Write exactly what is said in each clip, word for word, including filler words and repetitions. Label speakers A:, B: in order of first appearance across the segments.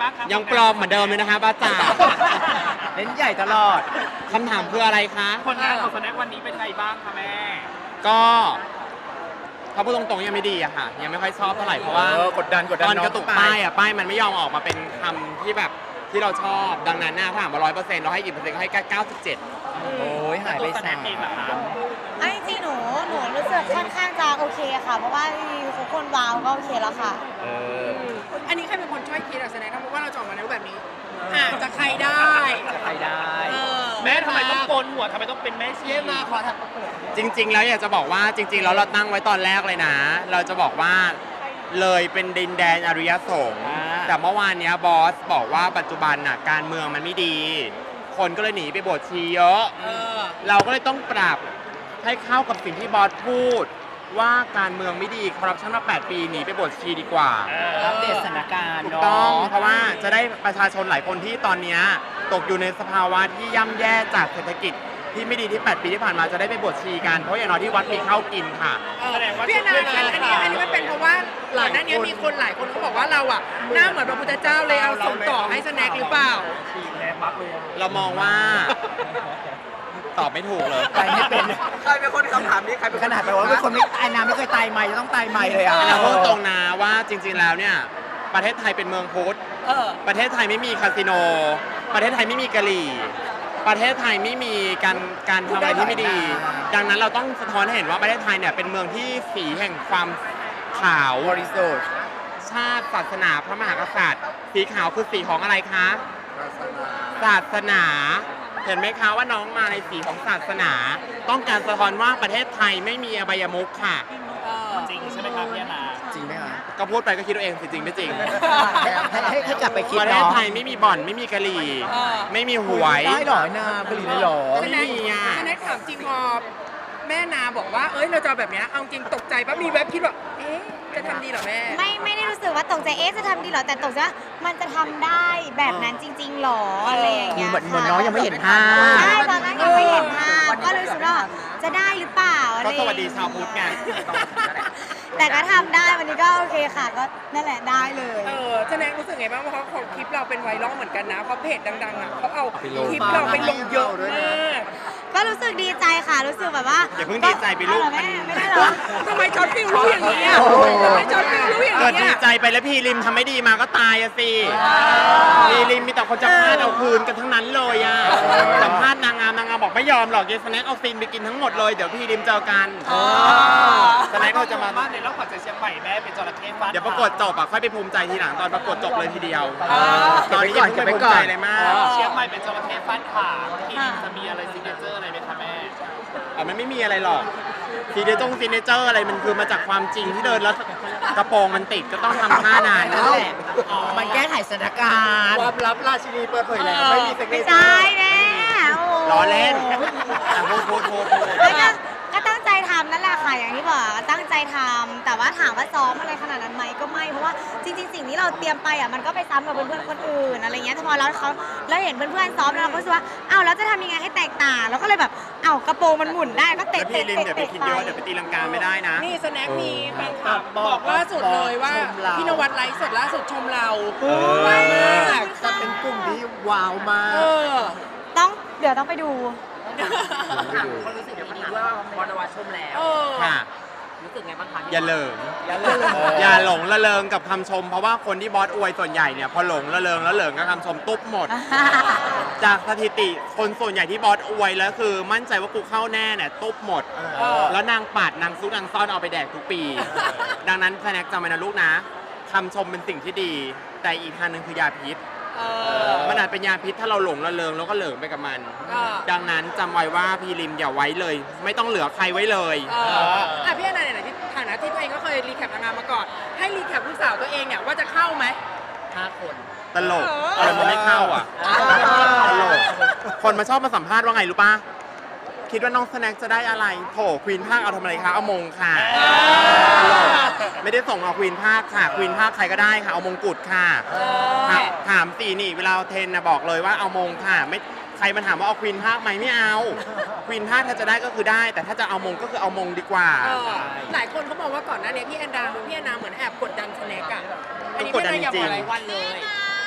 A: บ้างครับ
B: ยังปลอมเหมือนเดิมเลยนะคะบ้าจ่า
C: เล่นใหญ่ตลอด
B: คำถามคืออะไรคะ
A: ผลงานของสแน็ควันนี้เป็นไงบ้างคะแม่
B: ก็ถ้าพูดตรงๆยังไม่ดีอะค่ะ ยังไม่ค่อยชอบเท่าไหร่เพราะว่า
C: เออกดดันกดดัน
B: ตอน
C: น้อง
B: กระตุก
C: ไป
B: ป้ายอะป้ายมันไม่ยอมออกมาเป็นคำที่แบบที่เราชอบดังนั้นนะถ้าถามมาร้อยเปอร์เซ็นต์เราให้กี่เปอร์เซ็นต์ก็ให้แค่เก้าสิบเจ็ด
C: โอ้ยหายไป
A: ตัวสแน็
C: สา
A: ค
C: ม
A: เองเหรอครับ
D: อันจริงๆหนูหนูรู้สึกค่อนข้างจะโอเคค่ะ เพราะว่าทุกคนว้าวก็โอเคแล้วค่ะ
C: เออ
E: อันนี้ใครเป็นคนช่วยคิดอะแสดงว่าเราจะออกมาในรูปแบบนี้อาจจะใครได้
C: ใครได้
E: เออ
A: แม่ทำไมต้องโกนหัวทำไมต้องเป็นแม่ชี
E: เยี่ยมมาขอถัก
B: จริง ๆ แล้วอยากจะบอกว่าจริง ๆ แล้วเราตั้งไว้ตอนแรกเลยนะ เราจะบอกว่าเลยเป็นดินแดนอริยสงฆ์แต่เมื่อวานเนี้ยบอสบอกว่าปัจจุบันน่ะการเมืองมันไม่ดี คนก็เลยหนีไปบวชชีเยอะ
E: เออ
B: เราก็เลยต้องปรับให้เข้ากับสิ่งที่บอสพูด ว่าการเมืองไม่ดีคอร์รัปชันมาแปดปีหนีไปบวชชีดีกว่า
C: อัปเดตสถานการณ์
B: ถูก
C: เนาะ
B: ต้องเพราะว่าจะได้ประชาชนหลายคนที่ตอนเนี้ยตกอยู่ในสภาวะที่ย่ำแย่จากเศรษฐกิจที่ไม่ดีที่แปดปีที่ผ่านมาจะได้ไปบวชชีกันเพราะอย่างน้อยที่วัดมีข้าวกินค่ะ
A: แสดงว่า
E: พี่อนาอันนี้อันนี้มันเป็นเพราะว่าหลังหน้านี้มีคนหลายคนเขาบอกว่าเราอะหน้าเหมือนพระพุทธเจ้าเลยเอาส่งต่อให้สแน็คหรือเปล่า
B: เรามองว่า ตอบไม่ถูกเลย
C: ใครไม่เป็น
F: ใครเป็นคนคำถามนี้ใครเป็น
C: ขนาดแบบว่าเป็นคนไม่ตายน้ำไม่เคยตายใหม่จะต้องตายใหม่เลยอ่ะ
B: เราพูดตรงนะว่าจริง ๆ แล้วเนี่ยประเทศไทยเป็นเมืองพุทธ
E: เออ
B: ประเทศไทยไม่มีคาสิโน ประเทศไทยไม่มีกะหรี่ ประเทศไทยไม่มีการการทำอะไรที่ไม่ดี ดังนั้นเราต้องสะท้อนให้เห็นว่าประเทศไทยเนี่ยเป็นเมืองที่สีแห่งความขาว
C: บริสุทธิ์
B: ชาติศาสนาพระมหากษัตริย์ สีขาวคือสีของอะไรคะ ศาสนา เห็นไหมคะว่าน้องมาในสีของศาสนา ต้องการสะท้อนว่าประเทศไทยไม่มีอบายมุขค่ะ
A: จริงใช่ไหมครับพี่อนา
C: จริงไหมคะ
B: ก็พูดไปก็คิดเอาเองสิจริงไม่จริง
C: ให้ให้ให้กลับไปคิด
B: ประเทศ
C: เนาะ
B: ไทยไม่มีบ่อนไม่มีกะหรี่
E: เออ
B: ไม่มีหวย
C: ได้หรอนาผลิตได้หรอ
B: ไม่มีอ่ะ
E: สแน็คถามจริงพอแม่นาบอกว่าเอ้ยเราจะเอาแบบเนี้ยเอาจริงตกใจปะมีแวบคิดว่าเอ๊ะจะทำดีเหรอแม่
D: ไม่ไม่ได้รู้สึกว่าตกใจเอ๊ะจะทำดีเหรอแต่ตกใจว่ามันจะทำได้แบบนั้นจริง ๆหรออะไรอย่างเงี้ย
C: เหมือนเหมือน
D: ค่ะ
C: น้องยังไม่เห็นภาพ
D: ใช่ตอนนั้นยังไม่เห็นภาพก็เลยรู้สึกว่าจะได้หรือเปล่าอะไร
B: ก็
D: อย่
B: ส
D: ง
B: วัส
D: เงี้ย
B: ดีชาวพุทธไง
D: แต่ก็ทำได้วันนี้ก็โอเคค่ะก็นั่นแหละได้เลย
E: เออสแน็ครู้สึกไงบ้างว่าเขาเขาคลิปเราเป็นไวรัลเหมือนกันนะเพราะเพจดังๆอ่ะเขาเอา
C: ไปลง
E: คลิปเราไปลงเยอะมาก
D: ก็รู้สึกดีใจค่ะรู้สึกแบบว่า
B: อย่าเพิ่งดีใจไปลูก
D: เอาเหรอ
B: มัน
D: แม่ไม่ได้เหรอ
E: ทำไมจอร์ดฟิลรู้อย่างนี้อ่ะ
C: โอ้โห
E: ทำไมจอร์ดฟิลรู้อย่าง
B: เกิด
E: นี้
B: ดี
E: อ่ะ
B: ใจไปแล้วพี่ริมทำไม่ดีมาก็ตายอะสิพี่ริมมีแต่คนจะพลาดเอาคืนกันทั้งนั้นเลยอะสัมภาษณ์นางงามนางงามบอกไม่ยอมหรอกเยสแน็คเอาซีนไปกินทั้งหมดเลยเดี๋ยวพี่ริมเจอกันสแน็คเราจะมา
A: บ้านในรอบขวัญใจเชียงใหม่แม่เป็นจระเข้ฟัน
B: เดี๋ยวประกวดจบอะค่อยไปภูมิใจทีหลังตอนประกวดจบเลยทีเดียว
C: อ่า
B: ตอนนี้ยังไม่ภูมิใจเลยมาก
A: เชียงใหม่เป็นจระเข้ฟันขาที่ดินจะมีอะไรซิกเนเจอร์อะไรไหมคะแม่
B: อ่ะมันไม่มีอะไรหรอกซีเนจงซีเนเจอร์อะไรมันคือมาจากความจริงที่เดินแล้วกระโปรงมันติดก็ต้องทำท่านาน
C: นั่
B: นั่
C: น
B: น
C: แห
B: แห
C: ละ
B: ละ
C: มันแก้ไขสถานการณ์
F: ความลับราชินีเปิดเผยแล้วไม่มีเซ็ก
D: ไม่
F: ซี่
D: ใช่แม่โอ้
B: ล้อเล่นอ่ะพูดพูดพูดพูด
D: ไม่ก็ก็ตั้งใจทำนั่นแหละค่ะอย่างที่บอกตั้งใจทำแต่ว่าถามว่าซ้อมอะไรขนาดนั้นไหมก็ไม่เพราะว่าจริงๆสิ่งที่เราเตรียมไปอ่ะมันก็ไปซ้ำกับเพื่อนๆคนอื่นอะไรเงี้ยแต่พอเราเขาเราเห็นเพื่อนๆซ้อมแล้วเราก็รู้สึกว่าอ้าวแล้วจะทำยังไงให้แตกต่างเราก็เลยแบบอ้าวกระโปรงมันหมุนได้ก็
B: แล้
D: เตะ
B: วพี่
D: เตะ
B: ลิน
D: เตะ
B: เดี๋ยวไป
D: เตะ
B: คิด
D: ไป
B: เยอะเดี๋ยวไปตีลังกาไม่ได้นะ
E: นี่สแน็คมีแฟนคลับบอกล่าสุดเลยว่า
C: ชมเรา
E: พี่นวัดไลฟ์สดล่าสุดชมเรา
C: เออ
E: ว้าวมาก
C: จะเป็นกลุ่มที่ว้าวมา
E: เอก อ
D: ต้องเดี๋ยวต้องไปดู
G: คนรู้สึกอย่างนี้ว่าบอลนวัดชมแล้ว
E: เออ
B: ค่ะ
G: รู้สึกไงบ้างคะ
B: อย่าเหลิง
C: อย่าเลิก
B: อย่าหลงละเลงกับคำชม เพราะว่าคนที่บอสอวยส่วนใหญ่เนี่ยพอหลงละเลงละเหลิงกับคำชมตุ๊บหมด จากสถิติคนส่วนใหญ่ที่บอสอวยแล้วคือมั่นใจว่ากูเข้าแน่เนี่ยตุ๊บหมด
E: เออ
B: แล้วนางปาดนางซุกนางซ่อนเอาไปแดกทุกปี ดังนั้นแสนกจำไว้นะลูกนะคำชมเป็นสิ่งที่ดี แต่อีกทางหนึ่งคือยาพิษ
E: เออ
B: มันอาจเป็นยาพิษถ้าเราหลงละเลงแล้วก็เหลิงไปกับมัน
E: เออ
B: ดังนั้นจำไว้ว่าพีริมอย่าไว้เลย ไม่ต้องเหลือใครไว้เลย
E: เอออ่ะพี่อนันต์ไหนๆที่ฐานะที่ตัวเองก็เคยรีแคปนางงามมาก่อน ให้รีแคปลูกสาวตัวเองเนี่ยว่าจะเข้าไหม
G: ห้าคน
B: ตลกอะไรมันไม่เข้าอ่ะตลกคนมาชอบมาสัมภาษณ์ว่าไงรู้ป่ะคิดว่าน้องสแน็คจะได้อะไรโถควีนภาคเอาทำอะไรคะเอามงค่ะตลกไม่ได้ส่งเอาควีนภาคค่ะควีนภาคใครก็ได้ค่ะเอามงกุฎค่ะถามถามสีนี่เวลาเทรนนะบอกเลยว่าเอามงค่ะไม่ใครมันถามว่าเอาควีนภาคไหมไม่เอาควีนภาคถ้าจะได้ก็คือได้ แต่ถ้าจะเอามงก็คือเอามงดีกว่า
E: เออหลายคนเขาบอกว่าก่อนหน้านี้พี่แอนดาพี่แอนนาเหมือนแอบกดดันสแน็คอะอันนี้พี่แอนนาอยากบอกอะไร
G: วันเลย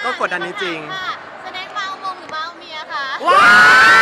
B: ก็กดดันจริง
D: แสดงมาเอามงหรือมาเอาเมียคะ
C: ว้าย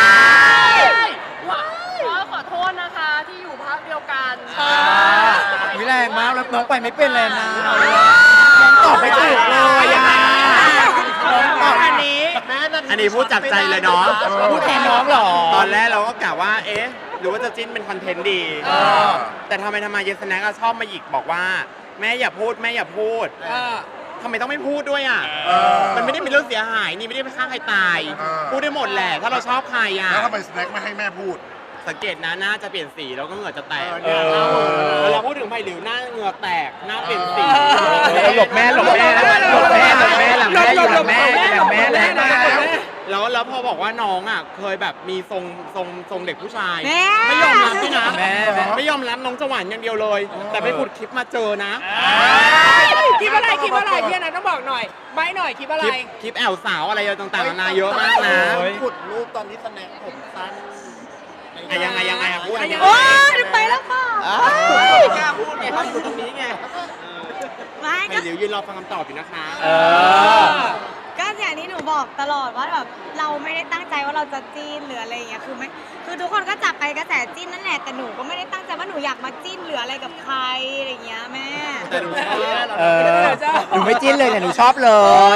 G: ก็ขอโทษนะคะที่อยู่ภาคเดียวกัน
C: วิแรงมากแล้วน้องไปไม่เป็นเลยนะน้องตอบไม่ถูกเลยอ่ะน้องตอบ
E: อันนี้
B: อันนี้พูดจากใจเลยเนาะ
C: พูดแทนน้องเหรอ
B: ตอนแรกเราก็กะว่า เอ๊ะ หรือว่าจะจิ้นเป็นคอนเทนต์ดี แต่ทำไมทำไมเยสแน็กชอบมาหยิกบอกว่า แม่อย่าพูดแม่อย่าพูด
E: เออ
B: ทำไมต้องไม่พูดด้วยอ่ะ มันไม่ได้มีเรื่องเสียหายนี่ไม่ได้ไปฆ่าใครตาย
H: เออ
B: พูดได้หมดแหละ ถ้าเราชอบใครอ่ะ
H: แล้วทำไมสแน็คไม่ให้แม่พูด
B: สังเกตนะหน้าจะเปลี่ยนสีแล้วก็เหงื่อจะแตก
C: เออ
B: เวลาพูดถึงไผ่หลิวหน้าเหงื่อแตกหน้าเปลี่ยนสี
C: หลบแม่หลบแม่แล้วหลบแม่หลบแม่หลังแม่อยู่หลังแม่หลังแม่หลังแม่
B: แล้วแล้วพอบอกว่าน้องอ่ะเคยแบบมีทรงทรงทรงเด็กผู้ชาย
D: แม่
B: ไม่ยอมรับด้วยนะ
C: แม่แม่
B: ไม่ยอมรับน้องจะหวานอย่างเดียวเลย แต่ไปขุดคลิปมาเจอนะ
E: คิดว่าอะไรคิดว่าอะไรพี่อนันต์ต้องบอกหน่อยใบหน่อยคิดว่าอะ
B: ค
E: ไร
B: ลิปคลิปแอลสาวอะไรต่างๆนานาเยอะมากนะ
F: ขุดรูปตอนที่สแน็คผมสั้น
B: อะยังไงยังไงอะพูดอะไร
D: โอ้ยไปแล้วค่ะ
F: กล้าพูดไงเขาอยู่ตรงนี้ไง
D: ไม่
B: ไผ่
D: ก็
B: หลิวยืนรอฟังคำตอบอยู่นะคะ
C: เออ
D: ก็อย่างที่หนูบอกตลอดว่าแบบเราไม่ได้ตั้งใจว่าเราจะจิ้นหรืออะไรอย่างเงี้ยคือไม่คือทุกคนก็จับไปกระแสจิ้นนั่นแหละแต่หนูก็ไม่ได้ตั้งใจว่าหนูอยากมาจิ้นหรืออะไรกับใครอะไรอย่างเงี้ยแม่
B: แต่หนูชอบ
C: เออหนูไม่จิ้นเลยแต่หนูชอบเลย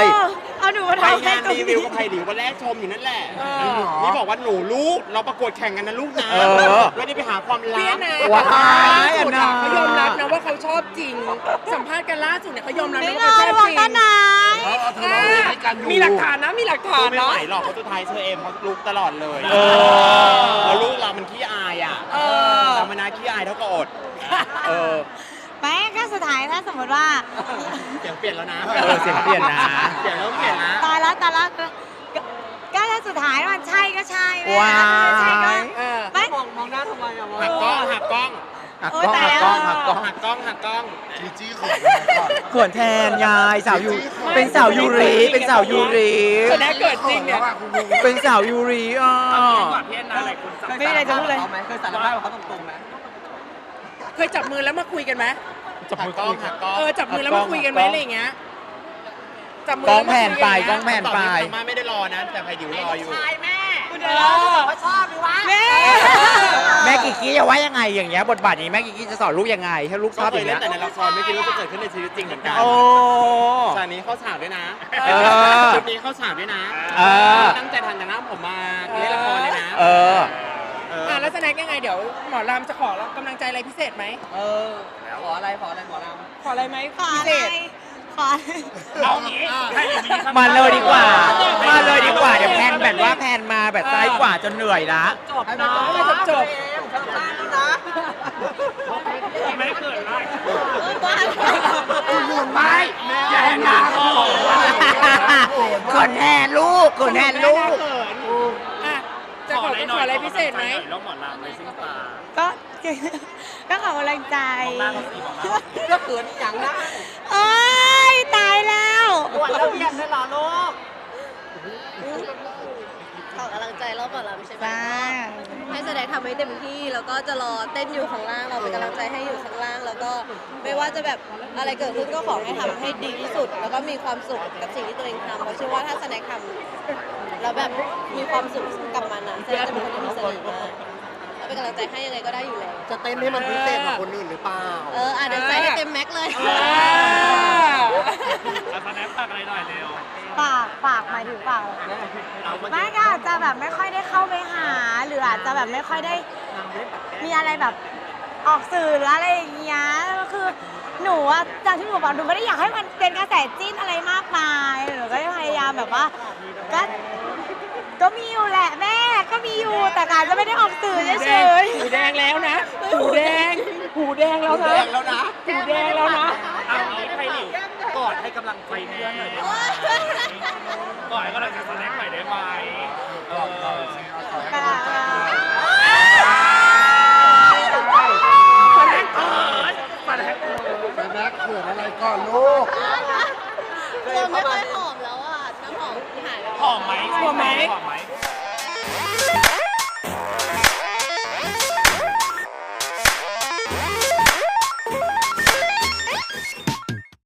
D: เออเอาหนูมา
B: ไป
D: ทำให้
B: งาน
D: ตรง
B: รีวิ
D: นี้
B: วกับไผ่หลิววันแรกชมอยู่นั่นแหละ นี่บอกว่าหนูลูกเราประกวดแข่งกันนะลูกนะ
C: เออ
B: ไม่ได้ไปหาความ
E: พี่
B: ลั
E: อบ นันต์
C: ว้าย
E: ล่าสุดอะ
C: อันนั้น
E: เขายอมรับนะว่าเขาชอบจริง สัมภาษณ์กันล่าสุดเนี่ยเขายอมรับ
D: ไม่
E: นะ
D: เล
E: ว่าเขาช
D: ย
E: อบ
D: บอก
E: จริง
D: ตอนไหน
H: เขาเอาเธอร้องเพลงด้วยกันอยู่
E: มีหลักฐานนะมีหลักฐาน
B: ไม่
E: เนาะ
B: ไหวหรอกเพราะสุดท้ายเชอเอมเขาลูกตลอดเลย
C: เออ
B: แล้วลูกเรามันขี้อายอ่ะ
E: เออ
B: ธรรมนาขี้อายเท่ากับอด
C: เออ
D: ไม่ก็สุดท้ายถ้าสมมติว่า
B: เสียงเปลี่ยนแล้วนะ
C: เออเสียงเปลี่ยนนะ
B: เสียงเริ่มเปลี่ยนนะ
D: ตายแล้วตายแล้วก็ก็ก็ถ้าสุดท้ายมันใช่ก็ใช่แม่
C: ว้าย
D: ถ้าไม่ใช่ก็
E: เออ
D: ไม่
F: มองมองหน้าทำไมอะวะ
B: หักกล้องหักกล้อง
C: หัก
D: โอ้
C: กล้อง
D: ตาย
C: หัก
D: แล้ว
C: กล้องหักกล้อง
B: หักกล้องหักกล้อง
H: จีจี้เขินก่อน
C: เขินแทนยายสาวยูเป็นสาวยูริเป็นสาวยูริ
E: แสดงเกิดจริงเนี่ย
C: เป็นสาวยูริอ่ะ
A: พี่แอนนาอะไรคุณจับ
D: ไม่มีอะไรจะพูดเลย
F: เคยสารภาพกับเขาตรงๆไหม
E: เคยจับมือแล้วมาคุยกันไหม
C: จับ
B: หั
C: มื
B: ก
C: อก
B: ล้องหักกล้อง
E: เออจับมือแล้วมาคุยกันไหมอะไรอย่างเงี้ยจับมื
C: กล้อง
E: ล้ว
C: แผ่
E: มาน คุย
C: ไป
E: ย่าง
C: กล้
E: เงี้
C: อย งแผ่น
B: ตอน
C: ไป
B: นี้ทางบ้านไม่ได้รอนะ แต่ไผ่ดิวรออยู่
E: เออ
D: แม่
C: แม่กิกกี้จะว่ายังไงอย่างเงี้ยบทบาทนี้แม่กิกกี้จะสอนลูกยังไงให้ลูกช
B: ก็
C: อบ
B: เค
C: อย ย่าง
B: เล่
C: เงี้
B: น
C: ย
B: แต่ในละครไม่คิดว่าจะเกิดขึ้นในชีวิตจริงเหมือนกัน
C: โอ้
B: ฉากนี้เข้าฉากด้วยนะ
C: เออ
B: ชุดนี้เข้าฉากด้วยนะ
C: เออ
B: ตั้งใจทำแต่หน้าผมมาเล่นละครเลยนะ
C: เออ
B: เออ
E: อ่ะแล้วแสดงยังไงเดี๋ยวหมอรามจะขอกำลังใจอะไรพิเศษไหม
F: เออขออะไรขออะไรหมอลำ
E: ขออะไรไหม
D: ขอ
E: พิ
D: อะ
E: เศ
D: ไร
E: ษ
D: ขอ
A: เอางี้ให้หลิวมีคำ
C: มาเลยดีกว่า มาเลยดีกว่า เดี๋ยวแพนแบบว่าแพนมาแบบซ้ายขวาจนเหนื่อยละ
F: จบนะ
E: ให้มันจบ
F: เธอสั้นแล้วนะ
A: ไม่เกิดได้
C: ไปอย่าแหนาขนแทนลูกขนแทนลูก
E: อ่ะจะขอขออะไรพิเศษไหม
A: แล้วหมอลำในซิงตา
D: ก็ ก็ขอกำลังใจ
A: มองหน้าเขาสิมองหน้า
F: ก็เขินอย่างนะ
D: โอ้ยตายแล้ว
F: ปวดแล้วเบียดเลยเหรอลูก
I: ขอกำลังใจรอบหมอลำใช่ไหม
D: บ้า
I: ให้แสดงทำให้เต็มที่แล้วก็จะรอเต้นอยู่ข้างล่างเราเป็นกำลังใจให้อยู่ข้างล่าง แล้วก็ไม่ว่าจะแบบอะไรเกิดขึ้นก็ขอให้ทำให้ดีที่สุด แล้วก็มีความสุขกับสิ่งที่ตัวเองทำเพราะเชื่อว่าถ้าแสดงทำแล้วแบบมีความสุขกับมันนะแสดงจะเป็นคนที่มีเสน่ห์มากแล้วเป็นกำลังใจให้ยังไงก็ได้อยู่แล้ว
F: จะเต้นให้มันพิเศษกว่าคนอื่นหรือเปล่า
I: เอออ่ะเดี๋ยวใส่ให้เต็มแม็กซ์เลย
E: อ่า
A: อาสแนปตักอะไรหน่อยเร็ว
D: ปากปากหมายถึงปากไม่ก็อาจจะแบบไม่ค่อยได้เข้าไปหา หรืออาจจะแบบไม่ค่อยได้มีอะไรแบบออกสื่อหรืออะไรอย่างเงี้ยคือหนูอะจากที่หนูบอกหนูไม่ได้อยากให้มันเป็นกระแสจิ้นอะไรมากมายหนูก็พยายามแบบว่าก็ก็มีอยู่แหละแม่ก็มีอยู่แต่การจะไม่ได้ออกสื่อเฉย
E: หูแดงแล้วนะหูแดงหูแดงแล้วนะหูแดงแล้วนะหูแดงแล้วนะ
A: เอางี้ให้หลิวกอดให้กำลังใจเพื่อนหน่อยได้ไหมกอดให้กำลังใจสแน็คหน่อยได้ไหม